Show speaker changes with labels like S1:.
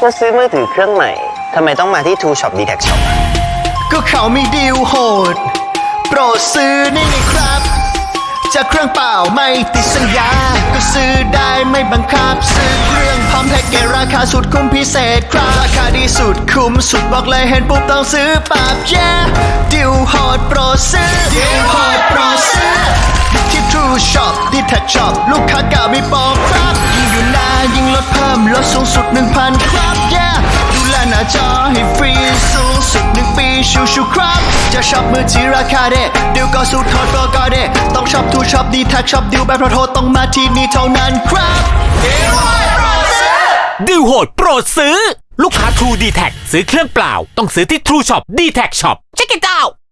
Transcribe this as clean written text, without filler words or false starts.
S1: ก็ซื้อมือถือเครื่องใหม่ทำไมต้องมาที่ True Shop D-Tag Shop
S2: ก็เขามีดีลโหดโปรดซื้อนี่ไงครับจากเครื่องเปล่าไม่ติดสัญญาก็ซื้อได้ไม่บังคับซื้อเครื่องพร้อมแพ็กเกจราคาสุดคุ้มพิเศษครับราคาดีสุดคุ้มสุดบอกเลยเห็นปุ๊บต้องซื้อปับดิวโหดโปรดซื้อดิวโหดโปรดซื้อที่ True Shop D-Tag Shop ลูกค้าเก่ามีโปรครับยิ่งอยู่นานยิ่งลดเพิ่มลดสูงสุด 1,000 ครับดูแลหน้าจอให้ฟรีสูงสุด1 ปีชูครับจะช็อปมือถือราคาเด็ดดิวก็สู้โทษโปรก็เด็ดต้องช็อปทูช็อปD-Tagช็อปดิวแบบโทรต้องมาที่นี่เท่านั้นครับดิวโหดโปรดซื้อ
S3: ดิวโหดโปรดซื้อลูกค้า True D-Tag ซื้อเครื่องเปล่าต้องซื้อที่ True Shop D-Tag Shop Check it out